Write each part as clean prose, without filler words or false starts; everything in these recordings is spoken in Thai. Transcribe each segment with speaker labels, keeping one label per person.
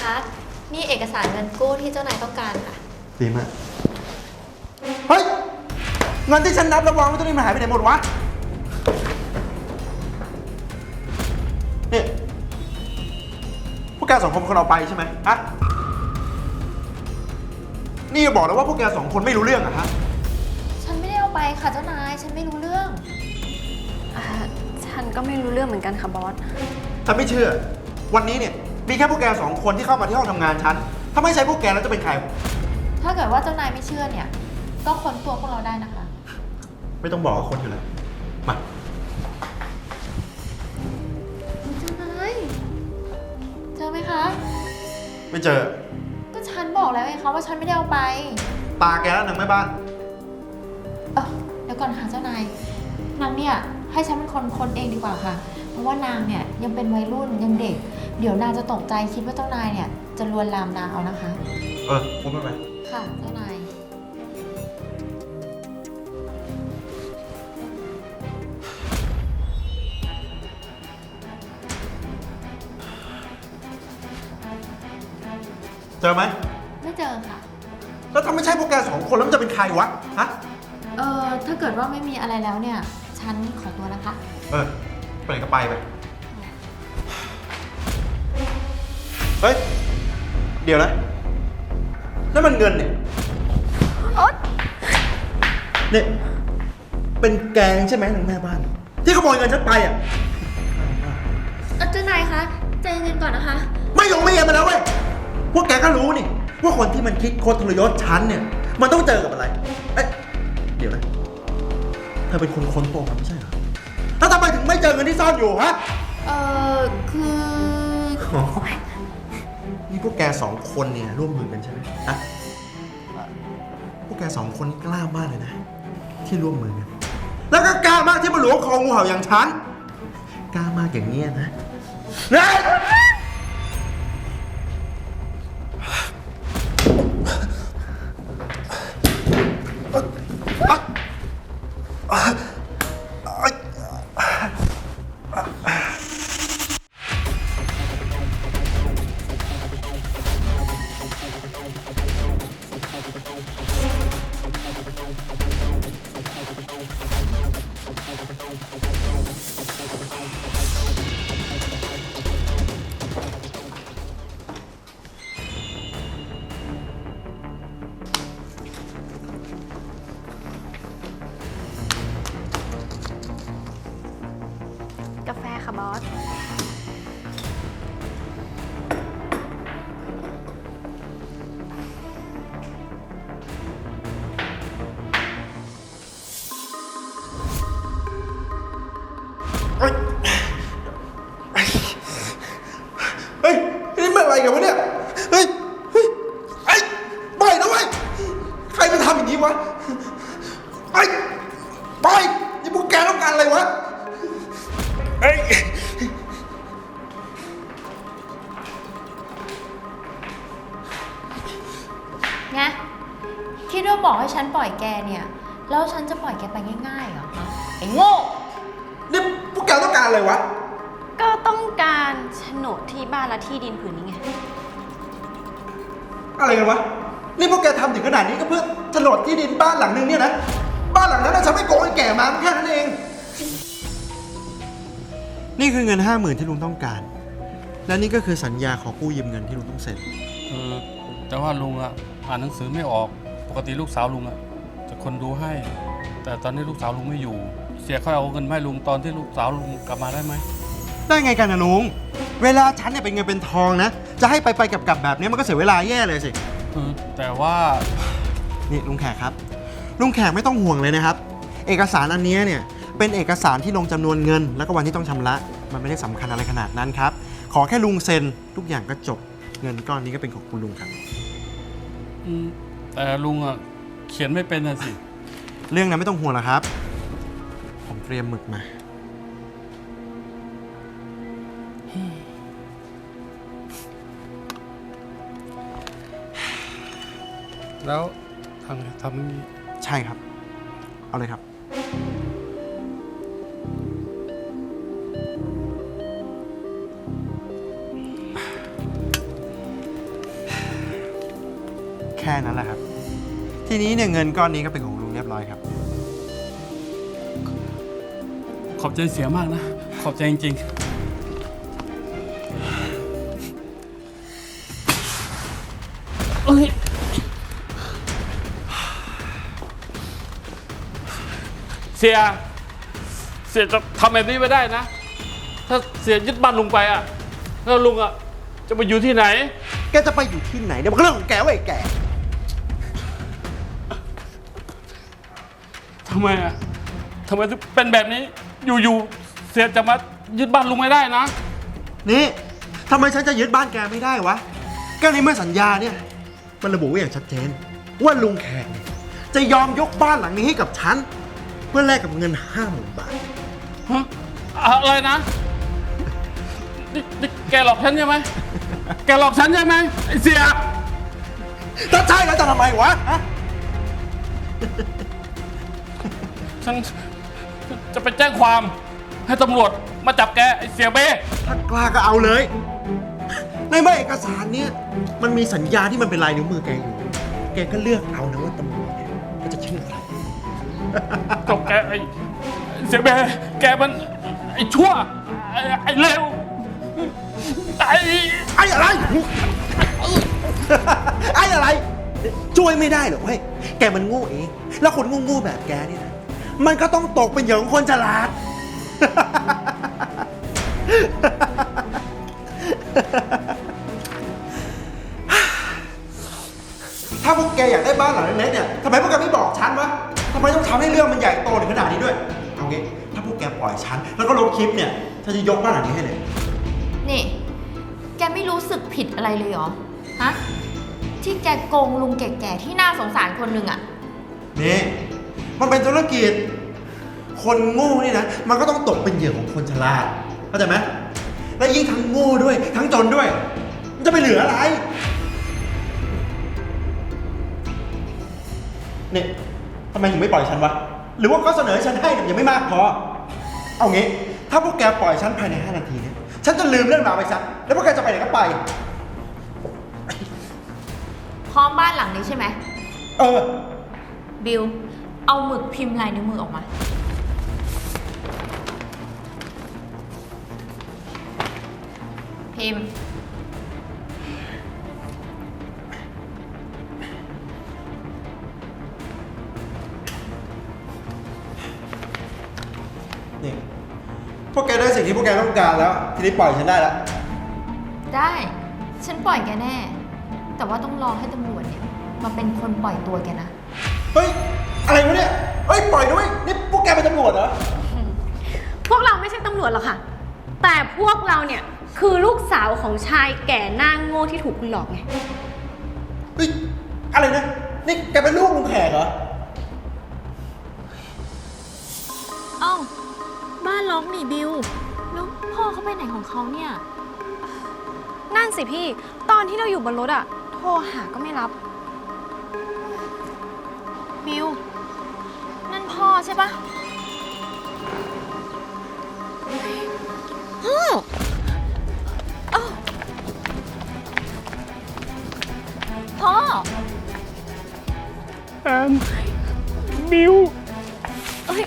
Speaker 1: คะนี่เอกสารเงินกู้ที่เจ้านายต้องการค่ะ
Speaker 2: ดีมากเฮ้ยเงินที่ฉันนับระวังไว้ตรงนี้มันหายไปไหนหมดวะนี่พวกแกสองคนเป็นคนเอาไปใช่ไหมฮะนี่บอกแล้วว่าพวกแกสองคนไม่รู้เรื่องอะฮะ
Speaker 1: ฉันไม่ได้เอาไปค่ะเจ้านายฉันไม่รู้เรื่อง
Speaker 3: ฉันก็ไม่รู้เรื่องเหมือนกันค่ะบอส
Speaker 2: ฉันไม่เชื่อวันนี้เนี่ยมีแค่พวกแกสองคนที่เข้ามาที่ห้องทำงานฉันถ้าไม่ใช่พวกแกแล้วจะเป็นใคร
Speaker 1: ถ้าเกิดว่าเจ้านายไม่เชื่อเนี่ยก็ค้นตัวพวกเราได้นะคะ
Speaker 2: ไม่ต้องบอกว่าคนอยู่แล้วมา
Speaker 1: เจ้านายเจอไหมคะ
Speaker 2: ไม่เจอ
Speaker 1: ก็ฉันบอกแล้วไงคะว่าฉันไม่ได้เอาไป
Speaker 2: ตาแกแล้วนางแม่บ้าน
Speaker 1: เดี๋ยวก่อนค่ะเจ้านายนางเนี่ยให้ฉันเป็นคนค้นเองดีกว่าค่ะเพราะว่านางเนี่ยยังเป็นวัยรุ่นยังเด็กเดี๋ยวนางจะตกใจคิดว่าเจ้านายเนี่ยจะลวนลามนางเอานะคะ
Speaker 2: พูดไม่ไป
Speaker 1: ค่ะเจ้านาย
Speaker 2: เจอไหม
Speaker 1: ไม่เจอค่ะ
Speaker 2: แล้วถ้าไม่ใช่พวกแกสองคนแล้วมันจะเป็นใครวะฮะ
Speaker 1: ถ้าเกิดว่าไม่มีอะไรแล้วเนี่ยฉันขอตัวนะคะ
Speaker 2: ไปไหนก็ไปเฮ้ยเดี๋ยวนะนั่นมันเงินเนี่ยเนี่ยเป็นแกงใช่ไหมนางแม่บ้านที่ขโมยเงินฉันไปอ่ะ
Speaker 1: เจ้านายคะใจเย็นก่อนนะคะ
Speaker 2: ไม่ลงไม่เย็นมาแล้วเว้ยพวกแกก็รู้นี่ว่าคนที่มันคิดโคตรทรยศฉันเนี่ยมันต้องเจอกับอะไรเดี๋ยวนะเธอเป็นคนค้นโปงไม่ใช่เหรอแล้วทำไมถึงไม่เจอเงินที่ซ่อนอยู่ฮะ
Speaker 1: คือ
Speaker 2: นี่พวกแกสองคนเนี่ยร่วมมือกันใช่ไหมฮะพวกแกสองคนนี่กล้ามากเลยนะที่ร่วมมือกันแล้วก็กล้ามากที่มาหลวงคองูเห่าอย่างฉันกล้ามากอย่างเงี้ยนะ
Speaker 3: กาแฟค่ะบอส
Speaker 2: เฮ้ยนี่มันอะไรกันวะเนี่ยเฮ้ยไปนะเว้ยใครมาทำอย่างนี้วะไปนี่พวกแกต้องการอะไรวะ
Speaker 1: ไงคิดว่าบอกให้ฉันปล่อยแกเนี่ยแล้วฉันจะปล่อยแกไปง่ายๆเหรอคะไอ้โง่
Speaker 2: นี่พวกแกต้องการอะไรวะ
Speaker 3: ก็ต้องการโฉนดที่บ้านและที่ดินผืนนี้ไง
Speaker 2: อะไรกันวะนี่พวกแกทำถึงขนาดนี้ก็เพื่อโฉนดที่ดินบ้านหลังนึงเนี่ยนะบ้านหลังนั้นฉันไม่โกงไอ้แก่มาแค่นั้นเองนี่คือเงิน 50,000ที่ลุงต้องการและนี่ก็คือสัญญาขอกู้ยืมเงินที่ลุงต้องเซ็น
Speaker 4: แต่ว่าลุงอ่านหนังสือไม่ออกปกติลูกสาวลุงจะคนดูให้แต่ตอนนี้ลูกสาวลุงไม่อยู่เสียค่อยเอาเงินให้ลุงตอนที่ลูกสาวลุงกลับมาได้ไหม
Speaker 2: ได้ไงกันนะลุงเวลาฉันเนี่ยเป็นเงินเป็นทองนะจะให้ไปกลับแบบนี้มันก็เสียเวลาแย่เลยสิ
Speaker 4: แต่ว่า
Speaker 2: นี่ลุงแขกครับลุงแขกไม่ต้องห่วงเลยนะครับเอกสารอันนี้เนี่ยเป็นเอกสารที่ลงจำนวนเงินแล้วก็วันที่ต้องชำระมันไม่ได้สำคัญอะไรขนาดนั้นครับขอแค่ลุงเซ็นทุกอย่างก็จบเงินก้อนนี้ก็เป็นของคุณลุงครับ
Speaker 4: แต่ลุงเขียนไม่เป็นนะสิ
Speaker 2: เรื่องนั้นไม่ต้องห่วงหรอกครับผมเตรียมหมึกมา
Speaker 4: แล้วทำนี้
Speaker 2: ใช่ครับเอาเลยครับแค่นั้นแหละครับ ทีนี้เนี่ยเงินก้อนนี้ก็เป็นของลุงเรียบร้อยครับ
Speaker 4: ขอบใจเสียมากนะ ขอบใจจริงๆเอ้ยเสียจะทำแบบนี้ไม่ได้นะ ถ้าเสียยึดบ้านลุงไปอ่ะแล้วลุงอ่ะจะไปอยู่ที่ไหน
Speaker 2: แกจะไปอยู่ที่ไหนเนี่ยมันก็เรื่องของแกเว้ยแก
Speaker 4: ทำไมอ่ะทำไมถึงเป็นแบบนี้ อยู่ๆเสียจะมายึดบ้านลุงไม่ได้นะ
Speaker 2: นี่ทำไมฉันจะยึดบ้านแกไม่ได้วะก็ในเมื่อสัญญาเนี่ยมันระบุไว้อย่างชัดเจนว่าลุงแขกเนี่ยจะยอมยกบ้านหลังนี้ให้กับฉันเพื่อแลกกับเงิน 50,000 บาท
Speaker 4: ฮะอะไรนะนี่แกหลอกฉันใช่ไหม แกหลอกฉันใช่ไหมไอ้เสีย
Speaker 2: ถ้าใช่แล้วจะทำไมวะฮะ
Speaker 4: ฉันจะไปแจ้งความให้ตำรวจมาจับแกไอ้เสียเบ้
Speaker 2: ถ้ากล้าก็เอาเลย ในเมื่อเอกสารเนี่ยมันมีสัญญาที่มันเป็นลายนิ้วมือแกอยู่แกก็เลือกเอานะว่าตำรวจเนี่ยเขาจะเชื่อใคร
Speaker 4: จบแกไอ้เสียเบ้แกมันไอ้ชั่วไอ้เลวไอ้
Speaker 2: อะไร ไอ้อะไร ช่วยไม่ได้หรอกเว้ย แกมันโง่เอง แล้วคนโง่ๆแบบแกนี่นะ มันก็ต้องตกเป็นเหยื่อของคนฉลาด ถ้าพวกแกอยากได้บ้านหลังเล็กๆเนี่ยทำไมพวกแกไม่บอกฉันวะทำไมต้องทำให้เรื่องมันใหญ่โตถึงขนาดนี้ด้วย เอางี้ ถ้าพวกแกปล่อยฉัน แล้วก็ลบคลิปเนี่ยฉันจะยกบ้านหลังนี้ให้เลย
Speaker 1: นี่ แกไม่รู้สึกผิดอะไรเลยเหรอ ฮะ ที่แกโกงลุงแก่ๆที่น่าสงสารคนหนึ่งอะ
Speaker 2: นี่มันเป็นธุรกิจ คนโง่นี่นะ มันก็ต้องตกเป็นเหยื่อของคนฉลาด เข้าใจไหม และยิ่งทั้งโง่ด้วย ทั้งจนด้วย มันจะไปเหลืออะไร เนี่ยทำไมถึงไม่ปล่อยฉันวะ หรือว่าก็เสนอให้ฉันให้แต่ยังไม่มากพอ เอางี้ ถ้าพวกแกปล่อยฉันภายใน 5 นาทีเนี่ย ฉันจะลืมเรื่องราวไปซะ แล้วพวกแกจะไปไหนก็ไป
Speaker 1: พร้อมบ้านหลังนี้ใช่ไหม
Speaker 2: เออ
Speaker 1: บิล เอาหมึกพิมพ์ลายนิ้วมือออกมา พิมพ์
Speaker 2: นี่ พวกแกได้สิ่งที่พวกแกต้องการแล้ว ทีนี้ปล่อยฉันได้แล้ว
Speaker 1: ได้ ฉันปล่อยแกแน่ แต่ว่าต้องรอให้ตำรวจเนี่ยมาเป็นคนปล่อยตัวแกนะ
Speaker 2: เฮ้ย อะไรวะเนี่ย เฮ้ย ปล่อยด้วย นี่พวกแกเป็นตำรวจเหรอ
Speaker 3: พวกเราไม่ใช่ตำรวจหรอกค่ะ แต่พวกเราเนี่ยคือลูกสาวของชายแก่หน้าโง่ที่ถูกคุณหลอกไง
Speaker 2: เฮ้ย อะไรนะ นี่แกเป็นลูกลุงแขกเหรอ
Speaker 1: เอ้า บ้านล็อกนี่บิล แล้วพ่อเขาไปไหนของเขาเนี่ย
Speaker 3: นั่นสิพี่ ตอนที่เราอยู่บนรถอะโทรหาก็ไม่รับ
Speaker 1: บิล นั่นพ่อใช่ปะพ่ออ้าวพ่อ
Speaker 4: แอนบิว
Speaker 1: เอ้ย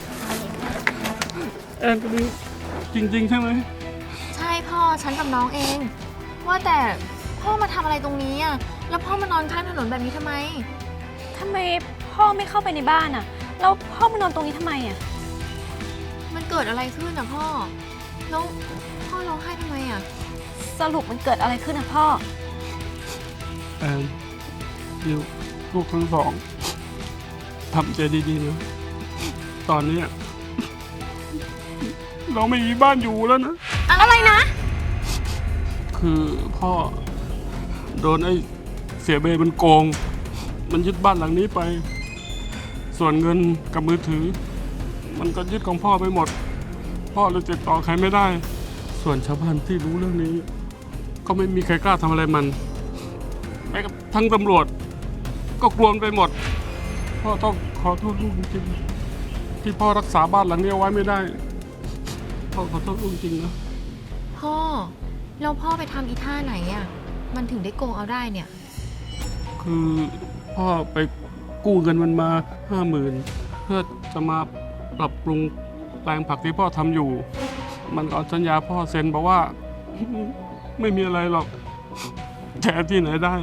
Speaker 4: แอนกับบิวจริงๆใช่ไหม
Speaker 1: ใช่พ่อ ฉันกับน้องเอง ว่าแต่พ่อมาทำอะไรตรงนี้อ่ะ แล้วพ่อมานอนข้างถนนแบบนี้ทำไม
Speaker 3: ทำไมพ่อไม่เข้าไปในบ้านอะแล้วพ่อมานอนตรงนี้ทำไมอะ
Speaker 1: มันเกิดอะไรขึ้นอ่ะพ่อ แล้วพ่อร้องไห้ทำไมอ่ะ
Speaker 3: สรุปมันเกิดอะไรขึ้นอะพ่อ
Speaker 4: แอนบิวลูกทั้งสองทำใจดีๆนะตอนเนี้ยเราไม่มีบ้านอยู่แล้วนะ
Speaker 3: อะไรนะ
Speaker 4: คือพ่อโดนไอ้เสียเบมันโกง มันยึดบ้านหลังนี้ไป ส่วนเงินกับมือถือ มันก็ยึดของพ่อไปหมด พ่อเลยติดต่อใครไม่ได้ ส่วนชาวบ้านที่รู้เรื่องนี้ ก็ไม่มีใครกล้าทำอะไรมันแม้กระทั่งตำรวจ ก็กลัวมันไปหมด พ่อต้องขอโทษลูกจริงๆที่พ่อรักษาบ้านหลังนี้เอาไว้ไม่ได้ พ่อขอโทษลูกจริงนะ
Speaker 1: พ่อ แล้วพ่อไปทำอีท่าไหนอ่ะ มันถึงได้โกงเอาได้เนี่ย
Speaker 4: คคือพ่อไปกู้เงินมันมา50,000เพื่อจะมาปรับปรุงแปลงผักที่พ่อทำอยู่ มันเอาสัญญาพ่อเซ็นบอกว่า ไม่มีอะไรหรอกแกที่ไหนได้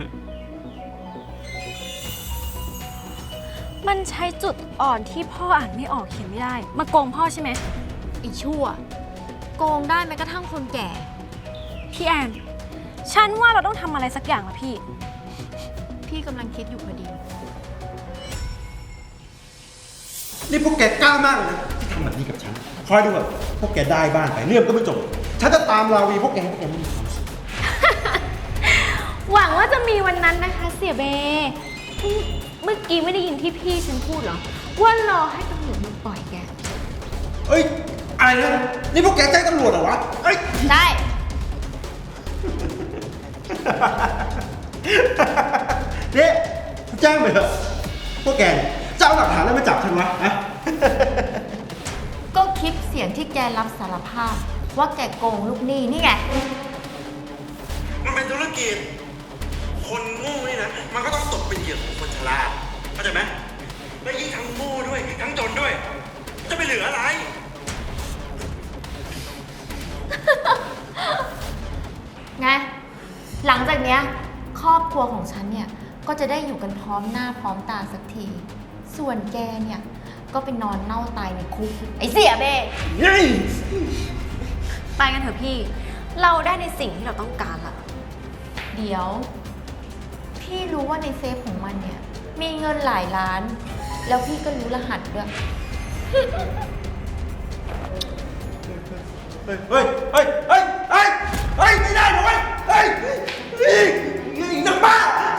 Speaker 3: มันใช้จุดอ่อนที่พ่ออ่านไม่ออกเขียนไม่ได้ มาโกงพ่อใช่ไหม
Speaker 1: ไอ้ชั่ว โกงได้แม้กระทั่งคนแก่
Speaker 3: พี่แอน ฉันว่าเราต้องทำอะไรสักอย่างละพี่
Speaker 1: พี่กำลังคิดอยู่พอดี
Speaker 2: นี่พวกแกกล้ามากเลยนะที่ทำแบบนี้กับฉัน คอยดูแบบพวกแกได้บ้านไปเรื่องก็ไม่จบ ฉันจะตามราวีพวกแกไม่มีความสุข
Speaker 3: หวังว่าจะมีวันนั้นนะคะเสียเบ เมื่อกี้ไม่ได้ยินที่พี่ฉันพูดเหรอ ว่ารอให้ตำรวจมาปล่อยแก
Speaker 2: เอ้ย อะไรนะ นี่พวกแกแจ้งตำรวจเหรอวะ เอ้ย
Speaker 1: ได้
Speaker 2: เนี่ยแจ้งไปเถอะพวกแกเนี่ยจะเอาหลักฐานอะไรมาจับฉันวะฮะ
Speaker 1: ก็คลิปเสียงที่แกรับสารภาพ ว่าแกโกงลูกหนี้นี่ไง
Speaker 2: มันเป็นธุรกิจ คนโง่นี่นะ มันก็ต้องตกเป็นเหยื่อของคนฉลาดเข้าใจไหมและยิ่งทั้งโง่ด้วย ทั้งจนด้วย จะไปเหลืออะไร
Speaker 1: ไง หลังจากเนี้ยครอบครัวของฉันเนี่ย ก็จะได้อยู่กันพร้อมหน้าพร้อมตาสักที ส่วนแกเนี่ย ก็ไปนอนเน่าตายในคุก ไอ้เสียเบ้
Speaker 3: ไปกันเถอะพี่ เราได้ในสิ่งที่เราต้องการละ
Speaker 1: เดี๋ยว พี่รู้ว่าในเซฟของมันเนี่ย มีเงินหลายล้าน แล้วพี่ก็รู้รหัสด้วย
Speaker 2: เฮ้ย เฮ้ย เฮ้ย เฮ้ย เฮ้ย เฮ้ย ไม่ได้นะเว้ยเฮ้ยนี่นักบ้า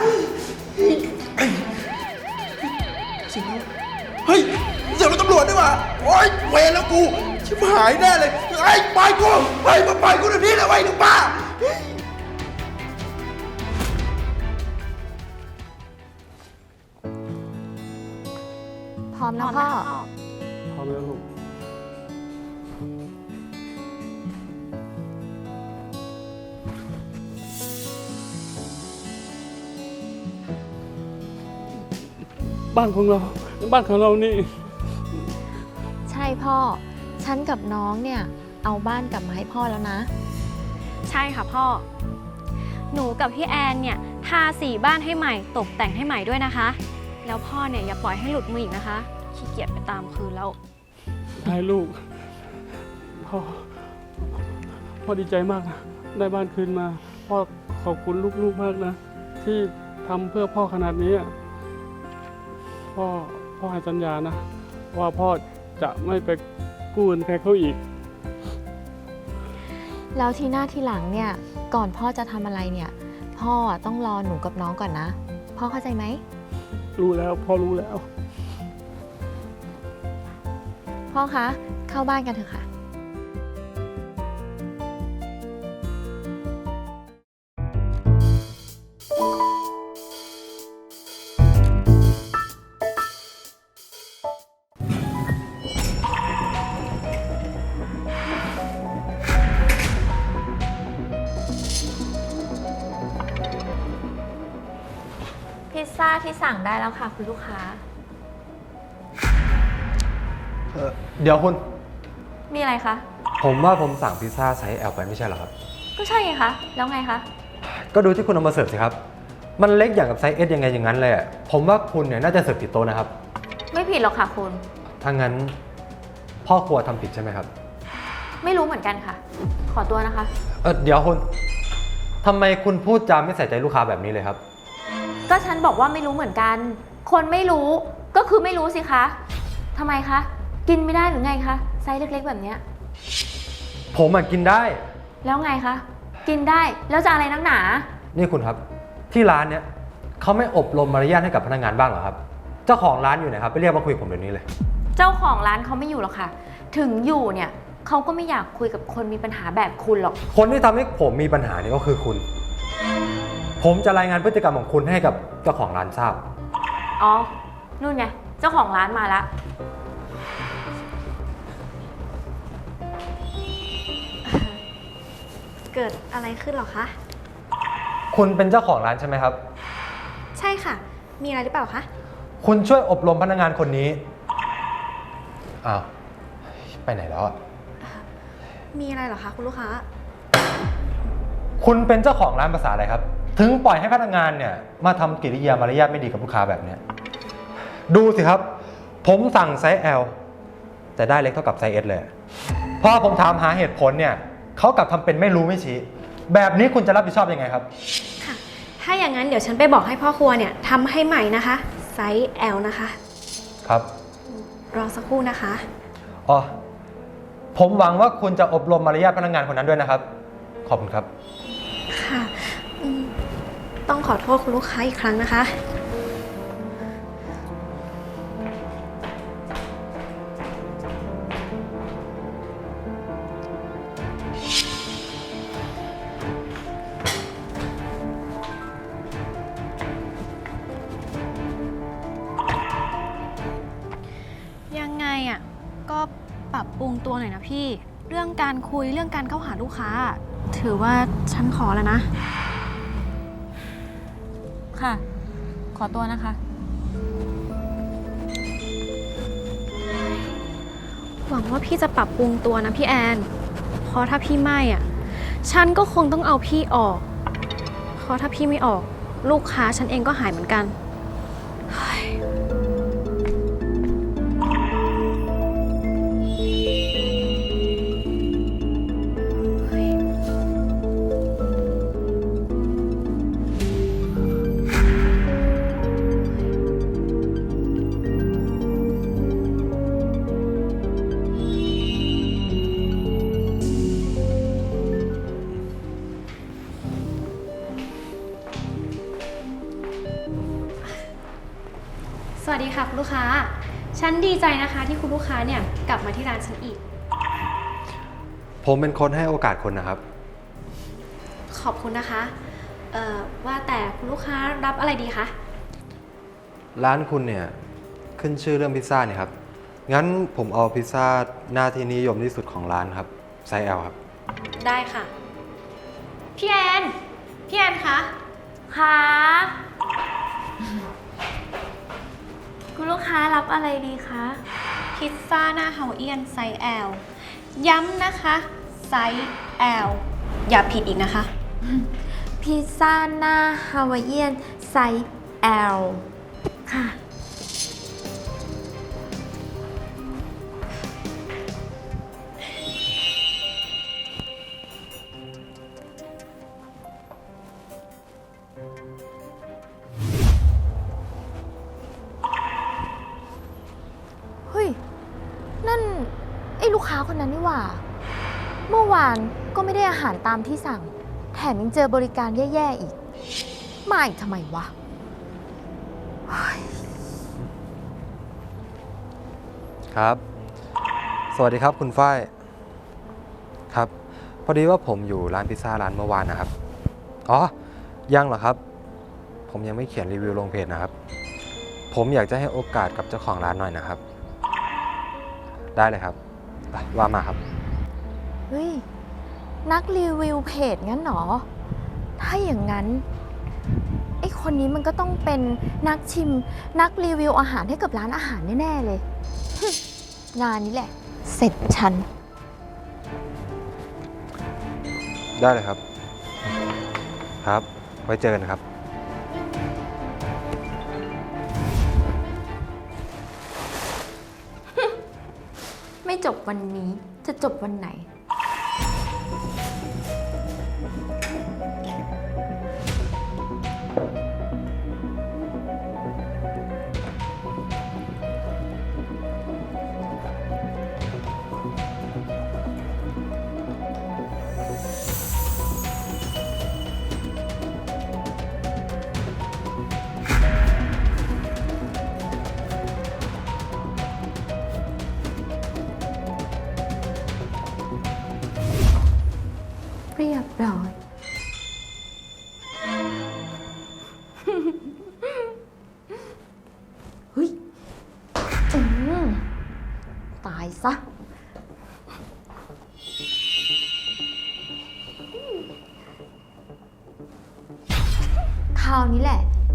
Speaker 2: เฮ้ยเดี๋ยวเราตำรวจดีกว่าโอ๊ยเวรแล้วกูชิบหายแน่เลยไอ้ปล่อยกูเฮ้ยมาปล่อยกูเดี๋ยวนี้เลยเว้ยนักบ้า
Speaker 1: พร้อมนะพ่อ
Speaker 4: พร้อมแล้วลูกบ้านของเรานี่
Speaker 1: ใช่พ่อ ฉันกับน้องเนี่ย เอาบ้านกลับมาให้พ่อแล้วนะ
Speaker 3: ใช่ค่ะพ่อ หนูกับพี่แอนเนี่ยทาสีบ้านให้ใหม่ ตกแต่งให้ใหม่ด้วยนะคะ แล้วพ่อเนี่ยอย่าปล่อยให้หลุดมืออีกนะคะ ขี้เกียจไปตามคืนแล้ว
Speaker 4: ได้ลูก พ่อดีใจมากนะ ได้บ้านคืนมา พ่อขอบคุณลูกๆมากนะ ที่ทำเพื่อพ่อขนาดนี้อะพ่อให้สัญญานะ ว่าพ่อจะไม่ไปกู้เงินใครเขาอีก
Speaker 1: แล้วทีหน้าทีหลังเนี่ย ก่อนพ่อจะทำอะไรเนี่ย พ่อต้องรอหนูกับน้องก่อนนะ พ่อเข้าใจไหม
Speaker 4: รู้แล้วพ่อรู้แล้ว
Speaker 1: พ่อคะ เข้าบ้านกันเถอะค่ะ พิซซ่าที่สั่งได้แล้วค่ะคุณลูกค้า
Speaker 5: เดี๋ยวคุณ
Speaker 1: มีอะไรคะ
Speaker 5: ผมว่าผมสั่งพิซซ่าไซส์ L ไปไม่ใช่เหรอครับ
Speaker 1: ก็ใช่ไงคะ แล้วไงคะ
Speaker 5: ก็ดูที่คุณเอามาเสิร์ฟสิครับ มันเล็กอย่างกับไซส์ S ยังไงอย่างนั้นเลยอะผมว่าคุณเนี่ยน่าจะเสิร์ฟผิดโต๊ะนะครับ
Speaker 1: ไม่ผิดหรอกค่ะคุณ
Speaker 5: ถ้างั้นพ่อครัวทำผิดใช่ไหมครับ
Speaker 1: ไม่รู้เหมือนกันค่ะ ขอตัวนะคะ
Speaker 5: เดี๋ยวคุณทำไมคุณพูดจาไม่ใส่ใจลูกค้าแบบนี้เลยครับ
Speaker 1: ก็ฉันบอกว่าไม่รู้เหมือนกัน คนไม่รู้ก็คือไม่รู้สิคะทำไมคะ กินไม่ได้หรือไงคะ ไซส์เล็กๆแบบเนี้ย
Speaker 5: ผมกินได้
Speaker 1: แล้วไงคะ กินได้ แล้วจะอะไรนักหนา
Speaker 5: นี่คุณครับที่ร้านเนี่ยเขาไม่อบรมมารยาทให้กับพนักงานบ้างเหรอครับ เจ้าของร้านอยู่ไหนครับไปเรียกมาคุยกับผมเดี๋ยวนี้เลย
Speaker 1: เจ้าของร้านเขาไม่อยู่หรอกค่ะ ถึงอยู่เนี่ยเขาก็ไม่อยากคุยกับคนมีปัญหาแบบคุณหรอก
Speaker 5: คนที่ทำให้ผมมีปัญหาเนี่ยก็คือคุณ ผมจะรายงานพฤติกรรมของคุณให้กับเจ้าของร้านทราบ
Speaker 1: อ๋อ นู่นไง เจ้าของร้านมาละ
Speaker 3: เกิดอะไรขึ้นหรอคะ
Speaker 5: คุณเป็นเจ้าของร้านใช่ไหมครับ
Speaker 3: ใช่ค่ะ มีอะไรหรือเปล่าคะ
Speaker 5: คุณช่วยอบรมพนักงานคนนี้ อ้าว ไปไหนแล้วอะ
Speaker 3: มีอะไรเหรอคะคุณลูกค้า
Speaker 5: คุณเป็นเจ้าของร้านภาษาอะไรครับ ถึงปล่อยให้พนักงานเนี่ยมาทำกิริยามารยาทไม่ดีกับลูกค้าแบบเนี้ยดูสิครับ ผมสั่งไซส์ L แต่ได้เล็กเท่ากับไซส์ S เลย พอผมถามหาเหตุผลเนี่ยเขากลับทำเป็นไม่รู้ไม่ชี้ แบบนี้คุณจะรับผิดชอบยังไงครับ
Speaker 3: ค่ะ ถ้าอย่างนั้นเดี๋ยวฉันไปบอกให้พ่อครัวเนี่ยทำให้ใหม่นะคะ ไซส์ L นะคะ
Speaker 5: ครับ
Speaker 3: รอสักครู่นะคะ
Speaker 5: อ๋อ ผมหวังว่าคุณจะอบรมมารยาทพนักงานคนนั้นด้วยนะครับ ขอบคุณครับ
Speaker 3: ค่ะต้องขอโทษคุณลูกค้าอีกครั้งนะคะ ยังไงอ่ะ ก็ปรับปรุงตัวหน่อยนะพี่ เรื่องการคุยเรื่องการเข้าหาลูกค้า ถือว่าฉันขอแล้วนะ
Speaker 1: ค่ะ ขอตัวนะคะ
Speaker 3: หวังว่าพี่จะปรับปรุงตัวนะพี่แอน เพราะถ้าพี่ไม่อ่ะ ฉันก็คงต้องเอาพี่ออก เพราะถ้าพี่ไม่ออก ลูกค้าฉันเองก็หายเหมือนกันเฮ้ย สวัสดีค่ะคุณลูกค้า ฉันดีใจนะคะที่คุณลูกค้าเนี่ยกลับมาที่ร้านฉันอีก
Speaker 5: ผมเป็นคนให้โอกาสคุณนะครับ
Speaker 3: ขอบคุณนะคะ ว่าแต่คุณลูกค้ารับอะไรดีคะ
Speaker 5: ร้านคุณเนี่ยขึ้นชื่อเรื่องพิซซ่าเนี่ยครับ งั้นผมเอาพิซซ่าหน้าที่นิยมที่สุดของร้านครับ ไซส์ L ครับ
Speaker 3: ได้ค่ะ พี่แอน พี่แอนคะ
Speaker 1: ค่ะ คุณลูกค้ารับอะไรดีคะ
Speaker 3: พิซซ่าหน้าเฮาเอียนไซส์ L ย้ำนะคะไซส์ L อย่าผิดอีกนะคะ
Speaker 1: พิซซ่าหน้าฮาวายเอียนไซส์ L ค่ะ เฮ้ย นั่น ไอ้ลูกค้าคนนั้นนี่หว่า เมื่อวานก็ไม่ได้อาหารตามที่สั่ง แถมยังเจอบริการแย่ๆอีก มาอีกทำไมวะ
Speaker 5: ครับ สวัสดีครับคุณฝ้าย ครับ พอดีว่าผมอยู่ร้านพิซซ่าร้านเมื่อวานนะครับ อ๋อ ยังเหรอครับ ผมยังไม่เขียนรีวิวลงเพจนะครับ ผมอยากจะให้โอกาสกับเจ้าของร้านหน่อยนะครับ ได้เลยครับไปว่ามาครับ
Speaker 1: เฮ้ย นักรีวิวเพจงั้นเหรอ ถ้าอย่างนั้น ไอ้คนนี้มันก็ต้องเป็นนักชิม นักรีวิวอาหารให้กับร้านอาหารแน่ๆเลย งานนี้แหละ เสร็จฉัน
Speaker 5: ได้เลยครับ ครับ ไว้เจอกันครับ
Speaker 1: ไม่จบวันนี้จะจบวันไหน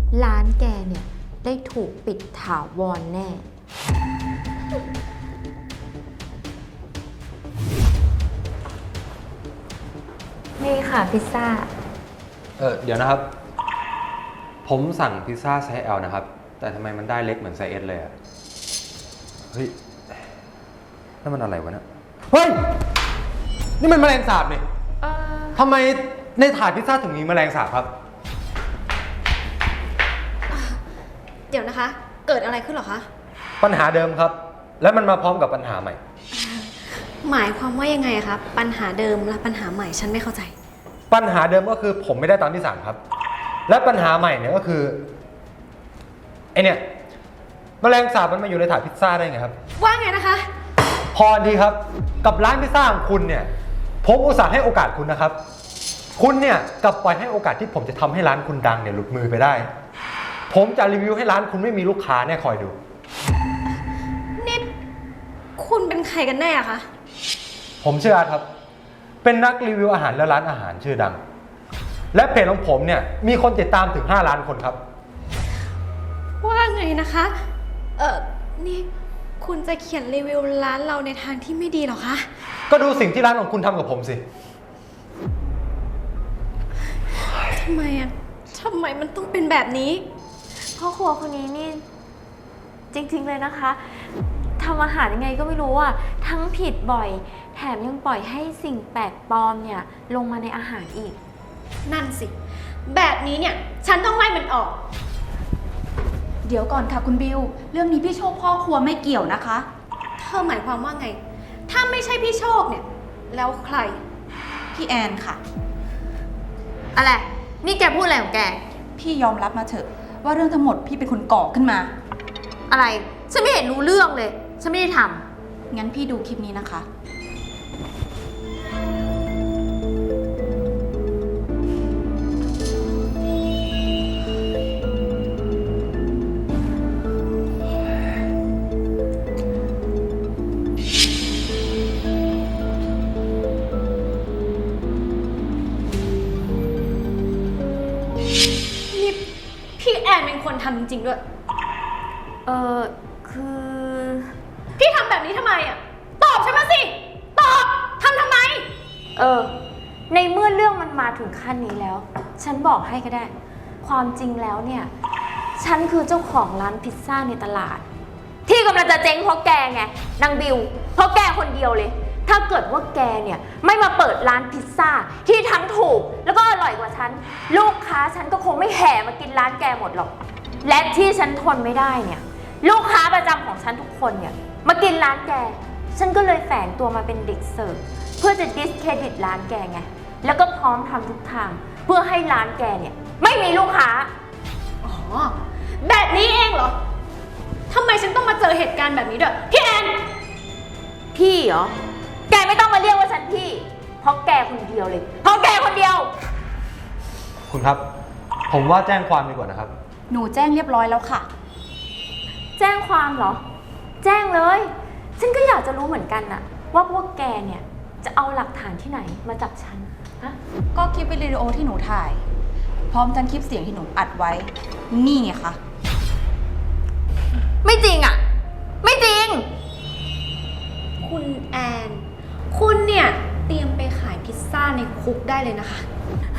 Speaker 1: ร้านแกเนี่ยได้ถูกปิดถาวรแน่ นี่ค่ะพิซซ่า
Speaker 5: เดี๋ยวนะครับ ผมสั่งพิซซ่าไซส์ L นะครับ แต่ทำไมมันได้เล็กเหมือนไซส์ S เลยอะเฮ้ยนั่นมันอะไรวะเนี่ยเฮ้ย นี่มันแมลงสาบนี่ทำไมในถาดพิซซ่าถึงมีแมลงสาบครับ
Speaker 3: เดี๋ยวนะคะ เกิดอะไรขึ้นเหรอคะ
Speaker 5: ปัญหาเดิมครับ และมันมาพร้อมกับปัญหาใหม่
Speaker 3: หมายความว่ายังไงอะคะปัญหาเดิมและปัญหาใหม่ฉันไม่เข้าใจ
Speaker 5: ปัญหาเดิมก็คือผมไม่ได้ตามที่สั่งครับ และปัญหาใหม่เนี่ยก็คือไอเนี่ยแมลงสาบมันมาอยู่ในถาดพิซซ่าได้ไงครับ
Speaker 3: ว่าไงนะคะ
Speaker 5: พอดีครับกับร้านพิซซ่าของคุณเนี่ยผมอุตส่าห์ให้โอกาสคุณนะครับ คุณเนี่ยกลับปล่อยให้โอกาสที่ผมจะทำให้ร้านคุณดังเนี่ยหลุดมือไปได้ ผมจะรีวิวให้ร้านคุณไม่มีลูกค้าเนี่ยคอยดู
Speaker 3: นี่คุณเป็นใครกันแน่อะคะ
Speaker 5: ผมชื่ออาร์ตครับ เป็นนักรีวิวอาหารและร้านอาหารชื่อดัง และเพจของผมเนี่ยมีคนติดตามถึง5 ล้านคนครับ
Speaker 3: ว่าไงนะคะ นี่คุณจะเขียนรีวิวร้านเราในทางที่ไม่ดีเหรอคะ
Speaker 5: ก็ดูสิ่งที่ร้านของคุณทำกับผมสิ
Speaker 3: ทำไมอะทำไมมันต้องเป็นแบบนี้
Speaker 1: พ่อครัวคนนี้นี่จริงๆเลยนะคะทำอาหารยังไงก็ไม่รู้อ่ะทั้งผิดบ่อย แถมยังปล่อยให้สิ่งแปลกปลอมเนี่ยลงมาในอาหารอีก
Speaker 3: นั่นสิ แบบนี้เนี่ย ฉันต้องไล่มันออก
Speaker 6: เดี๋ยวก่อนค่ะคุณบิว เรื่องนี้พี่โชคพ่อครัวไม่เกี่ยวนะคะ
Speaker 3: เธอหมายความว่าไง ถ้าไม่ใช่พี่โชคเนี่ย แล้วใคร
Speaker 6: พี่แอนค่ะ
Speaker 1: อะไร นี่แกพูดอะไรของแก
Speaker 6: พี่ยอมรับมาเถอะ ว่าเรื่องทั้งหมดพี่เป็นคนก่อขึ้นมา
Speaker 1: อะไร ฉันไม่เห็นรู้เรื่องเลย ฉันไม่ได้ท
Speaker 6: งั้นพี่ดูคลิปนี้นะคะ
Speaker 3: นี่พี่แอนเป็นคนทำจริงๆด้วย
Speaker 1: คือ
Speaker 3: พี่ทำแบบนี้ทำไมอ่ะ ตอบฉันมาสิ ตอบ ทำทำไม
Speaker 1: ในเมื่อเรื่องมันมาถึงขั้นนี้แล้ว ฉันบอกให้ก็ได้ ความจริงแล้วเนี่ย ฉันคือเจ้าของร้านพิซซ่าในตลาด ที่กำลังจะเจ๊งเพราะแกไงนางบิว เพราะแกคนเดียวเลย ถ้าเกิดว่าแกเนี่ยไม่มาเปิดร้านพิซซ่าที่ทั้งถูกแล้วก็อร่อยกว่าฉัน ลูกค้าฉันก็คงไม่แห่มากินร้านแกหมดหรอก และที่ฉันทนไม่ได้เนี่ย ลูกค้าประจำของฉันทุกคนเนี่ยมากินร้านแก ฉันก็เลยแฝงตัวมาเป็นเด็กเสิร์ฟเพื่อจะดิสเครดิตร้านแกไง แล้วก็พร้อมทำทุกทางเพื่อให้ร้านแกเนี่ยไม่มีลูกค้า
Speaker 3: อ๋อ แบบนี้เองเหรอ ทำไมฉันต้องมาเจอเหตุการณ์แบบนี้ด้วย พี่แอน
Speaker 1: พี่เหรอ แกไม่ต้องมาเรียกว่าฉันพี่ เพราะแกคนเดียวเลย เพราะแกคนเดียว
Speaker 5: คุณครับ ผมว่าแจ้งความดีกว่านะครับ
Speaker 6: หนูแจ้งเรียบร้อยแล้วค่ะ
Speaker 1: แจ้งความเหรอ แจ้งเลย ฉันก็อยากจะรู้เหมือนกันน่ะ ว่าพวกแกเนี่ยจะเอาหลักฐานที่ไหนมาจับฉัน ฮะ
Speaker 6: ก็คลิปวิดีโอที่หนูถ่าย พร้อมทั้งคลิปเสียงที่หนูอัดไว้ นี่ไงคะ
Speaker 1: ไม่จริงอ่ะ ไม่จริง
Speaker 3: คุณแอน คุณเนี่ยเตรียมไปขายพิซซ่าในคุกได้เลยนะคะ